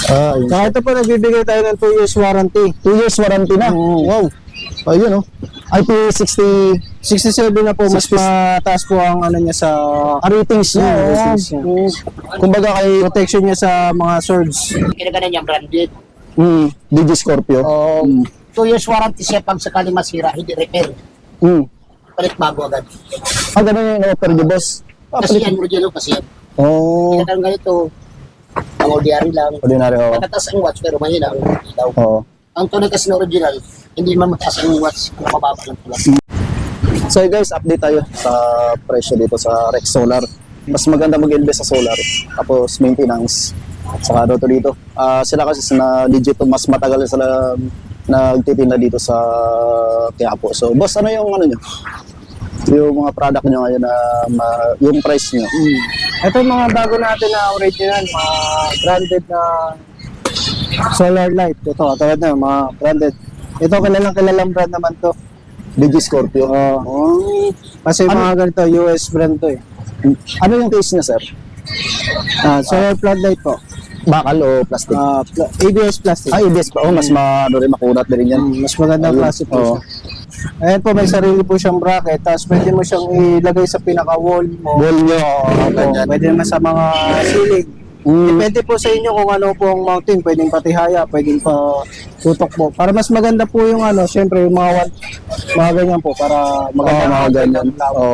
Ayun. Saka ito po, nagbibigay tayo ng 2 years warranty. 2 years warranty na. Wow. Ayun oh. IP60 67 na po, mas mataas po ang ano niya sa ratings niya. ratings niya. Kumbaga kay Protection niya sa mga swords. Kinagana niya branded. DG Scorpio. 2 years warranty siya pag sakali masira, hindi repair. Palit bago agad. Ganun yung offer niyo, boss. Kasi yan, original kasi yan. Oh. Kinagana ganito, ang ordinary lang. Ordinary, oh. Matataas ang watch pero mahina ang ilaw. Oo. Ang tunay kasi na original, hindi man mataas ang watch, kung mababa lang pala. So guys, update tayo sa presyo dito sa Rex Solar. Mas maganda mag-invest sa solar. Tapos maintenance. Saka ano to dito. Sila kasi na legit mas matagal sila nagtitinda dito sa Quiapo. So boss, ano yung ano nyo? Yung mga product nyo ngayon na yung price nyo? Ito yung mga bago natin na original, mga branded na solar light. Ito, katulad na mga branded. Ito kilalang brand naman to. DG Scorpio. Kasi mga ganito, US brand to eh. Ano yung case niya, sir? Solar floodlight po. Bakal o plastic? ABS plastic. ABS pa. Mas makunat na rin yan. Mas magandang klase po siya. Ayan po, may sarili po siyang bracket. Tapos pwede mo siyang ilagay sa pinaka-wall mo. Wall nyo. Ganyan. Pwede naman sa mga ceiling. Depende po sa inyo kung ano po ang mounting. Pwedeng patihaya, pwedeng pa tutok po. Para mas maganda po yung ano, syempre yung mga ganyan po. Para maganda Mga ganyan.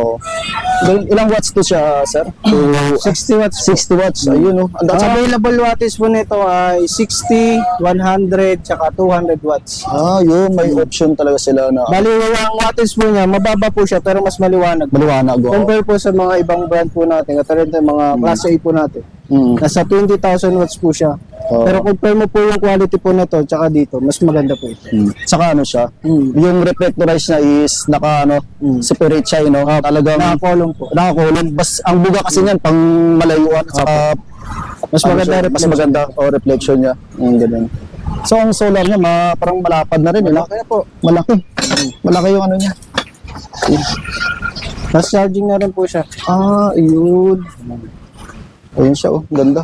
Ilang watts to siya, sir? 60 watts. 60 watts. Ayun, no? Ang available wattage po nito ay 60, 100, tsaka 200 watts. Yun. May option talaga sila na Bali, ang wattage po niya, mababa po siya pero mas maliwanag. maliwanag. Compare po sa mga ibang brand po natin, katulad ng mga Class A po natin. Nasa 20,000 watts po siya. Pero compare mo po yung quality po nito tsaka dito, mas maganda po ito. Saka ano siya, yung reflectorize niya is separate siya, no? Talagang Nakakolong po. nakakulong. Bas ang buga kasi niyan pang malayuan at saka Mas maganda siya, mas maganda reflection niya. Ganun. So ang solar niya parang malapad na rin, no? Kaya po, Malaki. Malaki yung ano niya. fast charging na rin po siya. Ayun. Ayun siya, oh. Ganda.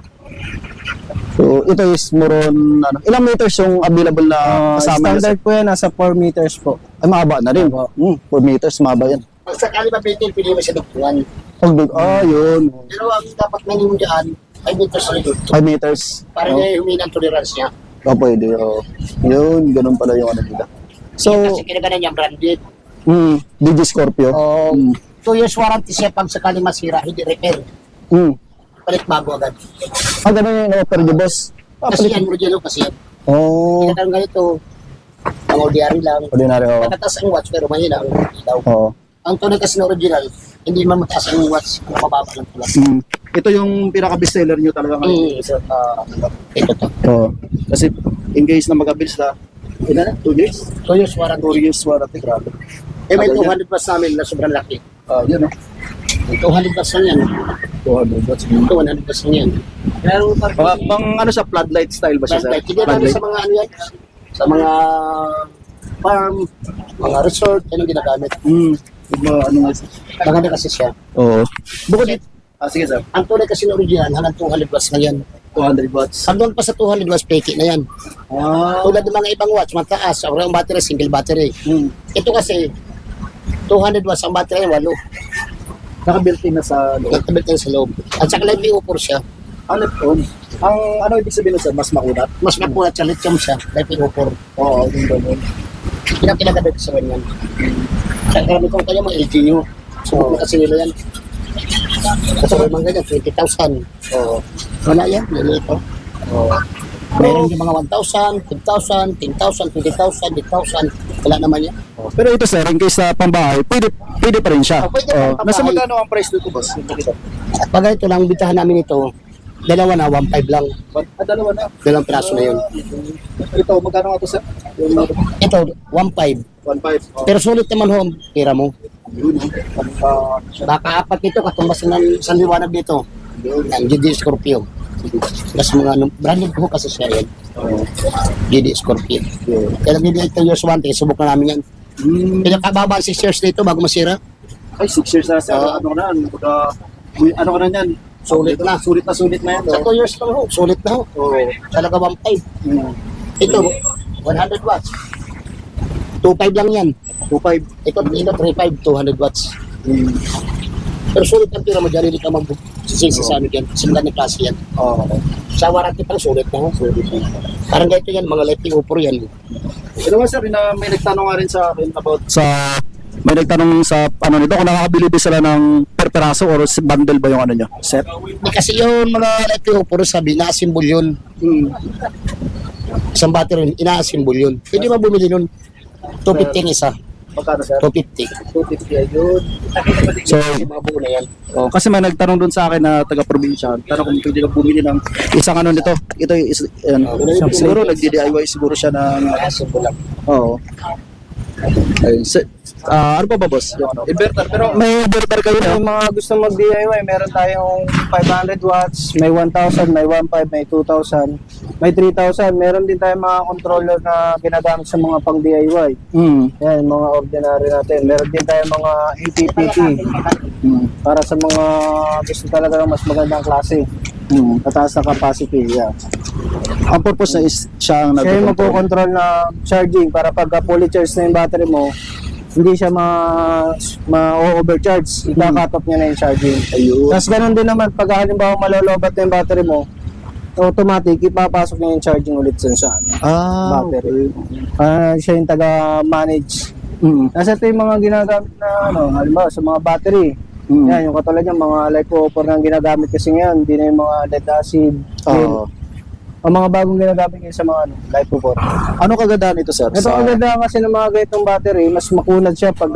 So, ito is more on, ilang meters yung available na kasama niya? Standard po yan, nasa 4 meters po. Ay, mahaba na rin. 4 meters, mahaba yan. Pag sakali mabitin, pili mo siya dugtungan. Yun. Pero ang dapat minimum dyan, 5 meters na dito. 5 meters. Para na humina ang tolerance niya. Pwede. Yun, ganun pala yung ano nila. So, Kasi kinagana niya branded. DG Scorpio. 2 years warranty siya pag sakali masira, hindi repair. Palit bago agad. Ganun yung offer niyo, boss. Kasi yan, original kasi yan. Kinagana ganito, ang ordinary lang. Ordinary, Matataas ang watch pero mahina ang ilaw. Ang tunay kasi na original, hindi man mataas ang watch, kung mababa lang pala. Ito yung pinaka-bestseller niyo talaga ngayon. Ito to. Kasi in case na mag-abils na, 2 years? 2 years warranty. 2 years warranty, grabe. May 200 plus namin na sobrang laki. Yun, 200 plus lang yan. 200 watts. Ito 100 plus lang yan. Pero Pang ano siya, floodlight style ba siya, sir? flashlight, hindi natin sa mga ano yan, sa mga farm, mga resort, yan ang ginagamit. Ano nga siya? Maganda kasi siya. Oo. Bukod dito. Sige, sir. Ang tunay kasi na original, hanggang 200 watts na yan. 200 watts. Hanggang pa sa 200 watts, peke na yan. Tulad ng mga ibang watch, mataas. Ang battery, single battery. Ito kasi, 200 watts ang battery, 8. Naka-built-in na sa loob. Nagtabit yan sa loob. At saka live upor siya. Left-on. Ang ano ibig sabihin sir, mas makunat? Mas mapulat siya, lithium siya. Live upor. Oo, yung ganun. Pinagkinagadad sa ganyan. Sa karami kong kanya mga LGU. Subok na kasi nila yan. Kasi may mga ganyan, 20,000. Wala yan, nilito. Meron yung mga 1,000, 2,000, 10,000, 20,000, 10,000. Wala naman yan. Pero ito sir, in case sa pambahay, pwede pa rin siya. Pwede pa pambahay. Nasa magkano ang price dito, boss? At pag ito lang, bitahan namin ito, dalawa na, 1,500 lang. Dalawa na. Dalawang piraso na yun. Ito, magkano nga ito sir? Ito, 1,500. 1.5. Pero sulit naman ho, ang pira mo. Baka apat nito, katumbas ng isang liwanag dito. Ang GD Scorpio. Mas mga branded ko kasi siya yan. GD Scorpio. Kaya nag-GD 2 years warranty, subok na namin yan. Pinakababa 6 years dito bago masira. Ay, 6 years na sir. Ano ka na? Ano ka na yan? Sulit na. Sulit na yan. Sa 2 years lang ho, sulit na ho. Talaga 1.5. Ito, 100 watts. 2.5 lang yan. 2.5. Ito 3.5, 200 watts. Pero sulit ang tira mo dyan, hindi ka magsisisi sa ano dyan. Kasi magandang klase yan. Sa warranty pang sulit na ho. Parang ganito yan, mga lighting upor yan. Ito nga sir, may nagtanong nga rin sa akin about may nagtanong sa ano nito kung nakakabili ba sila ng per peraso or bundle ba yung ano nyo? Set? Kasi yung mga lighting upor, sabi, ina-assemble yun. Isang battery, ina-assemble yun. Pwede ba bumili nun? 250 ang isa. Magkano sir? 250. 250 ayun. So, Mga buo na yan. kasi may nagtanong dun sa akin na taga-probinsya. Tanong kung pwede ka bumili ng isang ano nito. Ito siguro nagdi-DIY siguro siya ng Ina-assemble lang. oo. Ayun. Ano pa ba boss? Yung ano? Inverter. Pero may inverter kayo May na? mga gusto mag-DIY, meron tayong 500 watts, may 1,000, may 1,500, may 2,000, may 3,000. Meron din tayong mga controller na ginagamit sa mga pang-DIY. Yan, mga ordinary natin. Meron din tayong mga APPT para sa mga gusto talaga ng mas magandang klase. Mataas na capacity. Yeah. Ang purpose na is siya ang Siya yung nagko-control. magpo-control na charging para pagka fully charge na yung battery mo, hindi siya ma-overcharge. Ika-cut off niya na yung charging. Ayun. Tapos ganun din naman, pag halimbawa malolobat na yung battery mo, automatic, ipapasok niya yung charging ulit sa battery. Siya yung taga-manage. Kasi ito yung mga ginagamit na, halimbawa sa mga battery. Yan, yung katulad yung mga LiPo4 na ginagamit kasi ngayon, hindi na yung mga lead acid. Oo. Ang mga bagong ginagamit ngayon sa mga LiPo4. Ano kagandahan ito sir? Ito ang ganda kasi ng mga ganitong battery, mas makunad siya pag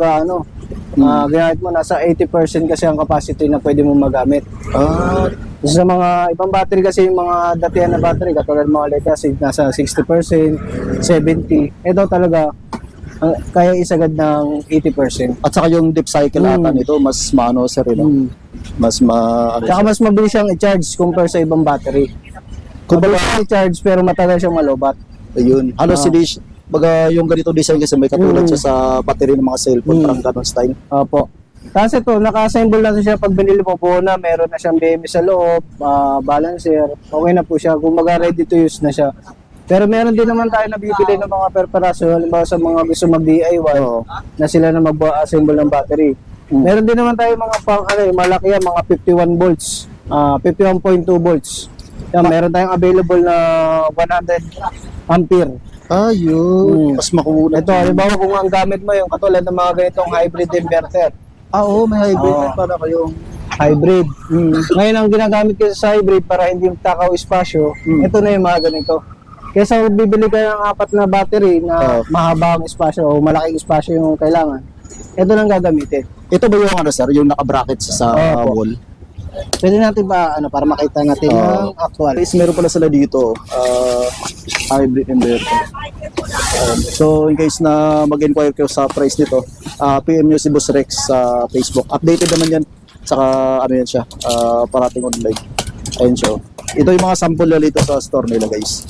ginamit mo, nasa 80% kasi ang capacity na pwede mo magamit. Sa mga ibang battery kasi, yung mga datihan na battery, katulad ng mga lead acid, nasa 60%, 70%. Ito talaga, kaya isagad ng 80%. At saka yung deep cycle ata nito, mas maano sir, mas ano Tsaka siya. mas mabilis siyang i-charge compare sa ibang battery. Mabilis siyang i-charge pero matagal siyang malobat. Ayun. Halos hindi baga yung ganito design kasi may katulad siya sa battery ng mga cellphone, parang ganun style. Opo. Tapos ito, naka-assemble na siya pag binili mo po na, meron na siyang BMS sa loob, balancer, okay na po siya, kumbaga ready to use na siya. Pero meron din naman tayo nabibili ng mga perperaso, halimbawa sa mga gusto mag-DIY, na sila na mag-assemble ng battery. Meron din naman tayo mga malaki yan, mga 51 volts, 51.2 volts. Yan, meron tayong available na 100 ampere. Ayun. Mas makuha. Ito, halimbawa kung ang gamit mo yung katulad ng mga ganitong hybrid inverter. Oo, may hybrid para kayong Hybrid. Ngayon ang ginagamit kasi sa hybrid para hindi takaw espasyo, ito na yung mga ganito. Kesa bibili ka ng 4 na battery na mahaba ang espasyo o malaking espasyo yung kailangan, ito lang gagamitin. ito ba yung ano sir, yung naka-bracket sa Opo. wall? Pwede natin ba para makita natin yung actual. Guys, meron pala sila dito, hybrid inverter. So, in case na mag-inquire kayo sa price nito, PM nyo si Boss Rex sa Facebook. Updated naman yan. Saka, ano yan siya, parating online. Ayun siya. Ito yung mga sample nila dito sa store nila, guys.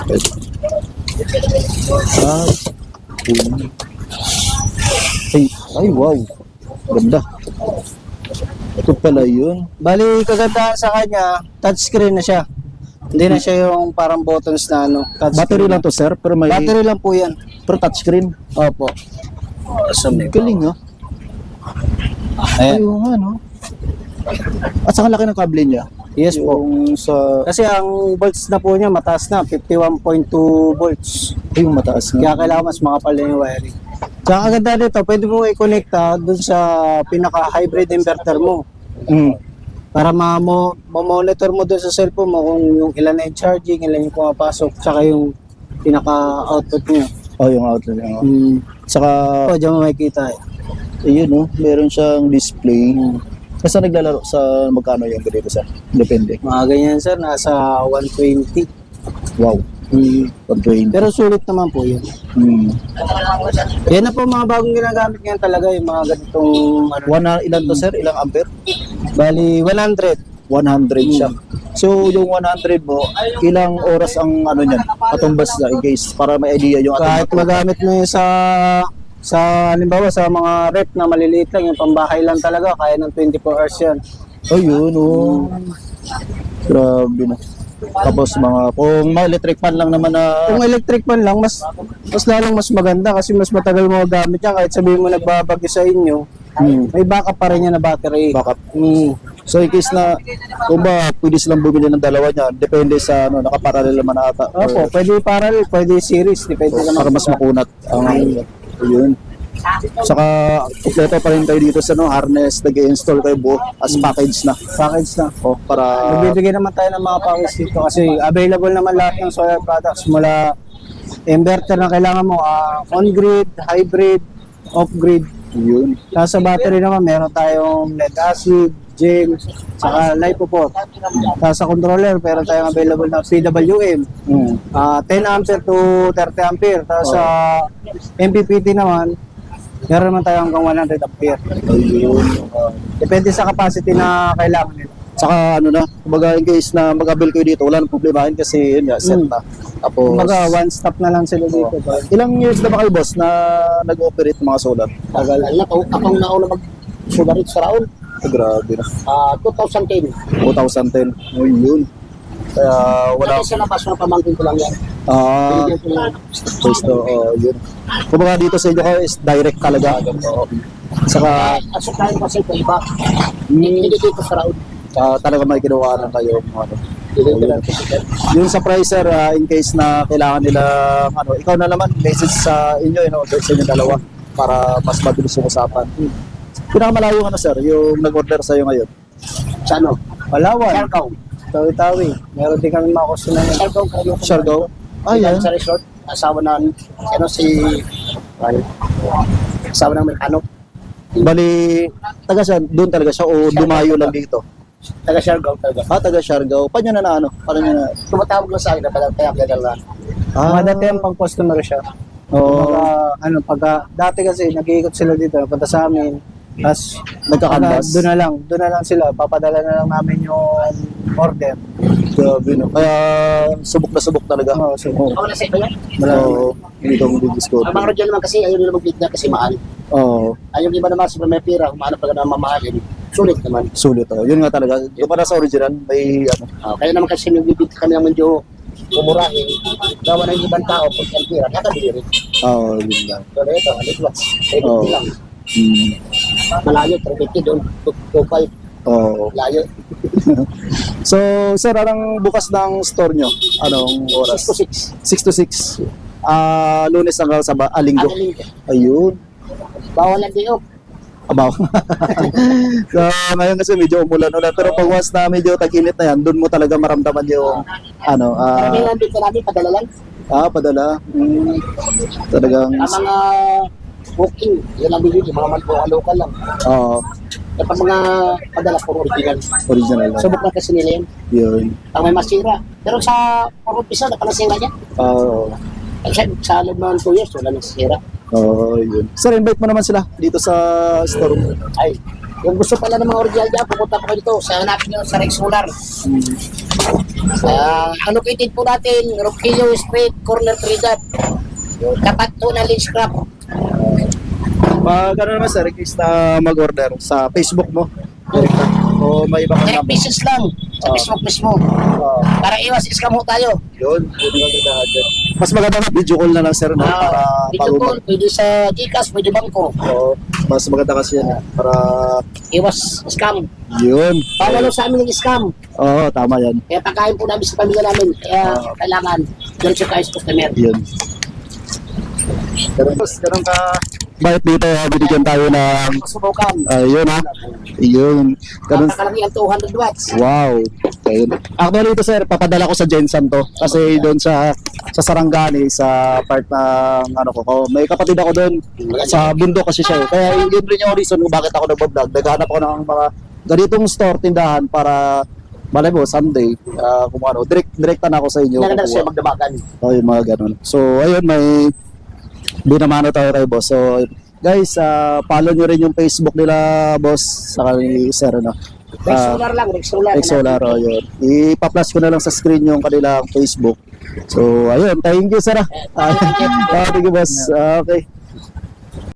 Ay, wow. Ganda. Ito pala yun. Bali, kagandahan sa kanya, touchscreen na siya. Hindi na siya yung parang buttons na Battery lang to, sir, pero may Battery lang po yan. pero touchscreen. Opo. Galing, no? Ayan. Ayun nga, no? At saka laki ng kable niya. Yes po. Yung sa... Kasi ang volts na po niya mataas na, 51.2 volts. Yung mataas Kaya nga. kailangan mas makapal na yung wiring. Tsaka kaganda nito, pwede mo i-connecta dun sa pinaka-hybrid inverter mo. Para ma-monitor mo dun sa cellphone mo kung yung ilan na yung charging, ilan yung pumapasok, tsaka yung pinaka-output niya. Oh, yung outlet niya. Saka, O, dyan mo makikita eh. ayun, no? Meron siyang display. Kasi naglalaro sa magkano yung ganito, sir? Depende. Mga ganyan sir, nasa 120. Wow. 120. Pero sulit naman po yun. Yan na po mga bagong ginagamit ngayon talaga, yung mga ganitong Ilan to, sir? Ilang ampere? bali 100. 100 siya. So, yung 100 mo, ilang oras ang ano niyan? Katumbas na, guys, para may idea yung Kahit magamit mo yun sa halimbawa sa mga rep na maliliit lang, yung pambahay lang talaga, kaya ng 24 hours yan. Ayun, oh. Grabe na. Tapos kung mga electric fan lang naman na, Kung electric fan lang, mas lalong mas maganda kasi mas matagal mo gamit yan. Kahit sabihin mo nagbabagyo sa inyo, may backup pa rin yan na battery. backup. So in case na, kung ba, pwede silang bumili ng dalawa niya, depende sa, nakaparallel naman ata. Opo, pwede parallel, pwede series, depende naman. Para mas makunat ang, yun. Saka, kompleto pa rin kayo dito sa, harness, nag-i-install kayo buo as package na. Package na. O, para, Magbibigay naman tayo ng mga package dito kasi available naman lahat ng solar products mula inverter na kailangan mo, on-grid, hybrid, off-grid. yun. Tapos sa battery naman, meron tayong lead acid, gel, saka LiPo4. Tapos sa controller, meron tayong available na PWM. 10 ampere to 30 ampere. Tapos sa MPPT naman, meron naman tayo hanggang 100 ampere. Ayun. Depende sa capacity na kailangan nila. Saka kumbaga in case na mag-avail kayo dito, wala nang problemahin kasi yun nga, set na. Tapos, Kumbaga, one stop na lang sila dito. ilang years na ba kayo, boss, na nag-ooperate ng mga solar? Tagal na, akong nauna mag-sugarit sa Raon. Grabe na. 2010. 2010. Oh, yun. Kaya wala. Kasi sa labas na pamangkin ko lang yan. Ah, Binigyan ko lang. pwesto, yun. Kumbaga dito sa inyo kayo is direct talaga. Oo. Saka, At suklayin kasi ko iba. Hindi dito sa Raon. talaga may kinuha na kayo. Hindi ko lang kasi. Yung sa pricer, in case na kailangan nila, ikaw na naman, message sa inyo, sa inyo dalawa, para mas mabilis yung usapan. Pinakamalayo sir, yung nag-order sa'yo ngayon. Sa ano? Palawan, Siargao. Tawi-Tawi. Meron din kami mga customer na Siargao kayo. Siargao? Yan. Sa resort. Asawa na, asawa ng Amerikano. Bali, taga saan? Doon talaga siya o dumayo lang dito? Taga Siargao talaga. Taga Siargao. Paano nyo na Paano nyo na? Tumatawag lang sa akin na pala kaya gano'n lang. Mga dati ang pang customer siya. Oo. Dati kasi nag-iikot sila dito, napunta sa amin. Tapos Nagka-canvas. doon na lang sila, papadala na lang namin yung order. Grabe, no? Kaya subok na subok talaga. Oo, so, Ako na sa iba yan. Oo. Hindi ko mag-discount. Ang mga rodyan naman kasi ayaw nila mag-bid na kasi mahal. Oo. Ayaw iba naman sa may pera, humanap pa na mamahalin. Sulit naman. Sulit. Yun nga talaga. Yung para sa original, may Kaya naman kasi nagbibid kami ng medyo umurahin. Gawa ng ibang tao, pag ang pera, nakabili rin. Oo, yun lang. So, ito,alitwas. Oo. lang. Hmm. Malayo, 350 doon. 2.5. Oo. Layo. So, sir, anong bukas ng store nyo? Anong 6 oras? to 6. 6 to 6. Lunes hanggang sa Linggo. Ang linggo. Ayun. Bawal ang day off. Abaw. So, ngayon kasi medyo umulan-ulan. Pero pag once na medyo tag-init na yan, doon mo talaga maramdaman yung Karamihan dito namin, padala lang. padala. Talagang, Ang mga walking, yun ang bibili, mga local lang. oo, At ang mga padala, puro original. original lang. Subok na kasi nila yun. Yun. Ang may masira. Pero sa puro pisa, napalasira niya. Oo. Sa loob ng 2 years, wala nang sira. Oo, yun. Sir, invite mo naman sila dito sa store mo. Ay, yung gusto pala ng mga original dyan, pupunta po kayo dito. Sa hanapin nyo sa Rex Solar. Located po natin, Roquillo Street, Corner Trinidad. Tapat po ng Lynch Crab. Pag naman sir, case na mag-order sa Facebook mo, direct na. O may iba kang 10 number. pieces lang sa Facebook mismo. Para iwas scam ho tayo. Yun, yun yung gagawin dyan. Mas maganda na video call na lang sir, no? Para Video call, pwede sa Gcash, pwede bangko. Oo, mas maganda kasi yan. Para, Iwas scam. yun. Pawalo sa amin ng scam. Oo, tama yan. Kaya pagkain po namin sa pamilya namin. Kaya kailangan, doon siya kayo sa customer. Yun. Ganun ka. Bakit dito, binigyan tayo ng, Subukan. yun ha. Yun. Ganun. Napakalaki ang 200 watts. Wow. Ayun. Actually ito sir, papadala ko sa Jensen to. Kasi doon sa Sarangani, sa part ng may kapatid ako doon. Sa bundok kasi siya. Kaya yun rin yung reason kung bakit ako nagbablog. Naghanap ako ng mga ganitong store, tindahan para malay mo, someday, kung direkta na ako sa inyo. Naganda siya Kukuha. magdabagan. Yung mga ganun. So, ayun, may binamano tayo kay boss. So, guys, follow nyo rin yung Facebook nila, boss, sa ni Sir, no? Rex Solar lang, Rex Solar. Rex Solar, yun. Ipa-flash ko na lang sa screen yung kanilang Facebook. So, ayun, thank you, Sir. Thank you, boss. Okay.